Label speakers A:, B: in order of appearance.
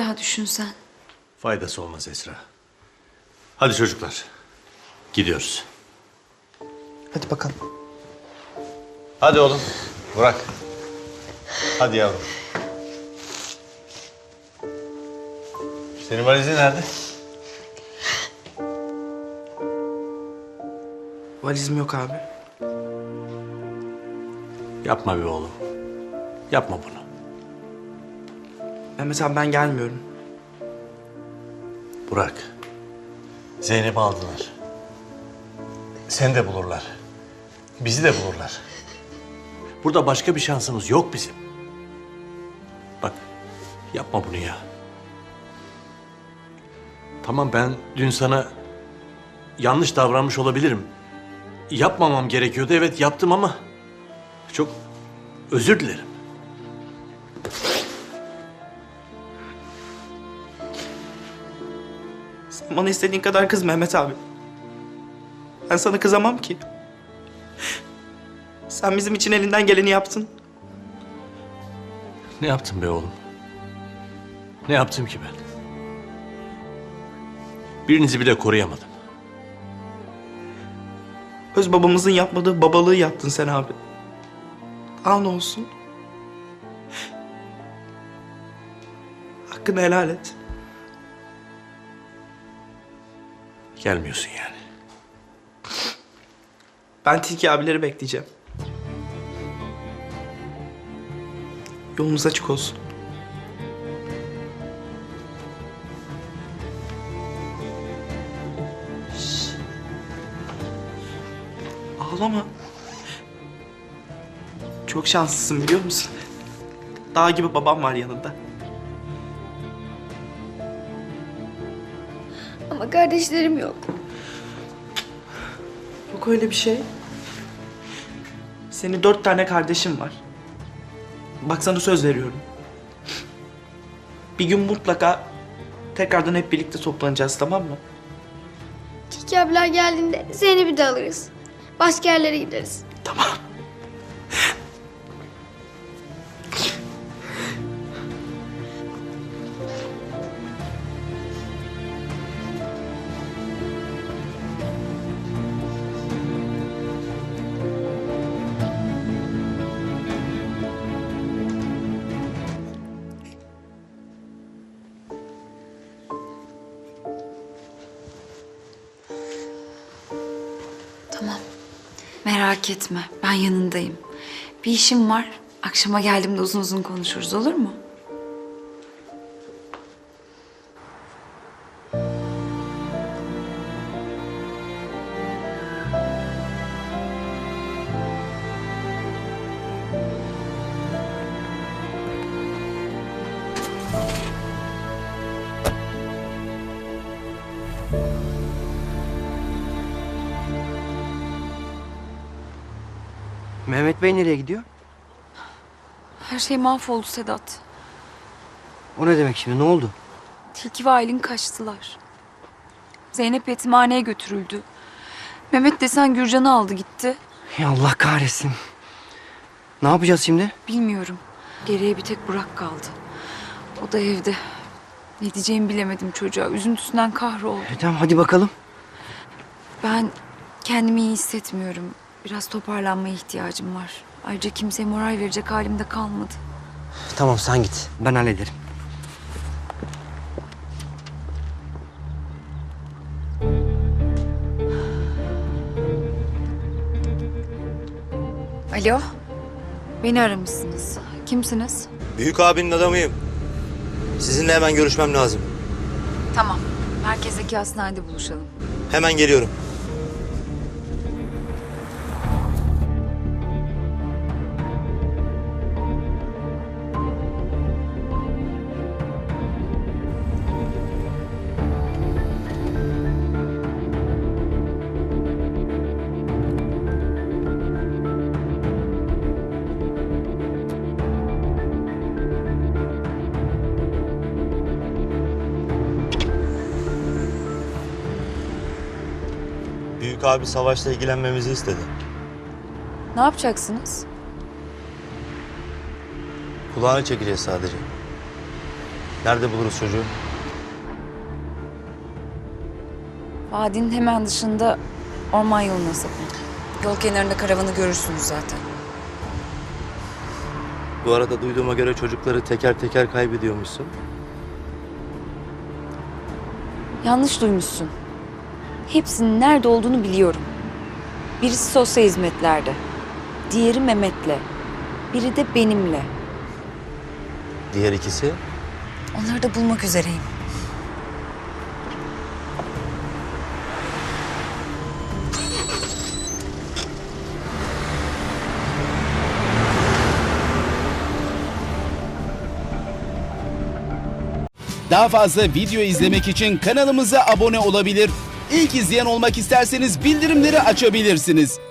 A: daha düşünsen.
B: Faydası olmaz Esra. Hadi çocuklar. Gidiyoruz.
C: Hadi bakalım.
B: Hadi oğlum. Burak. Hadi yavrum. Senin valizin nerede?
C: Valizim yok abi.
B: Yapma be oğlum. Yapma bunu.
C: Mehmet abi ben gelmiyorum.
B: Burak. Zeynep'i aldılar. Seni de bulurlar. Bizi de bulurlar. Burada başka bir şansımız yok bizim. Bak, yapma bunu ya. Tamam, ben dün sana yanlış davranmış olabilirim. Yapmamam gerekiyordu, evet yaptım ama çok özür dilerim.
C: Sen bana istediğin kadar kız Mehmet abi. Ben sana kızamam ki. Sen bizim için elinden geleni yaptın.
B: Ne yaptım be oğlum? Ne yaptım ki ben? Birinizi bile koruyamadım.
C: Öz babamızın yapmadığı babalığı yaptın sen abi. Al ne olsun. Hakkını helal et.
B: Gelmiyorsun yani.
C: Ben Tilki abileri bekleyeceğim. Yolunuz açık olsun. Şşş. Ağlama. Çok şanslısın biliyor musun? Dağ gibi babam var yanında.
A: Ama kardeşlerim yok.
C: Yok öyle bir şey. Senin 4 tane kardeşin var. Bak sana söz veriyorum. Bir gün mutlaka tekrardan hep birlikte toplanacağız, tamam mı?
D: Tilki abiler geldiğinde Zeynep'i de alırız. Başka yerlere gideriz.
C: Tamam.
A: Tamam. Merak etme. Ben yanındayım. Bir işim var. Akşama geldiğimde uzun uzun konuşuruz, olur mu?
E: Mehmet Bey nereye gidiyor?
A: Her şey mahvoldu Sedat.
E: O ne demek şimdi? Ne oldu?
A: Tilki ve Aylin kaçtılar. Zeynep yetimhaneye götürüldü. Mehmet desen Gürcan'ı aldı gitti.
E: Ya Allah kahretsin. Ne yapacağız şimdi?
A: Bilmiyorum. Geriye bir tek Burak kaldı. O da evde. Ne diyeceğimi bilemedim çocuğa. Üzüntüsünden kahroldu.
E: Tamam hadi bakalım.
A: Ben kendimi iyi hissetmiyorum. Biraz toparlanmaya ihtiyacım var. Ayrıca kimseye moral verecek halimde kalmadı.
E: Tamam sen git. Ben hallederim.
A: Alo. Beni aramışsınız. Kimsiniz?
F: Büyük abinin adamıyım. Sizinle hemen görüşmem lazım.
A: Tamam. Merkezdeki hastanede buluşalım.
F: Hemen geliyorum. Büyük abi savaşla ilgilenmemizi istedi.
A: Ne yapacaksınız?
F: Kulağını çekeceğiz sadece. Nerede buluruz çocuğu?
A: Vadinin hemen dışında orman yoluna sapın. Yol kenarında karavanı görürsünüz zaten.
F: Bu arada duyduğuma göre çocukları teker teker kaybediyormuşsun.
A: Yanlış duymuşsun. Hepsinin nerede olduğunu biliyorum. Birisi sosyal hizmetlerde. Diğeri Mehmet'le. Biri de benimle.
F: Diğer ikisi?
A: Onları da bulmak üzereyim.
G: Daha fazla video izlemek için kanalımıza abone olabilir. İlk izleyen olmak isterseniz bildirimleri açabilirsiniz.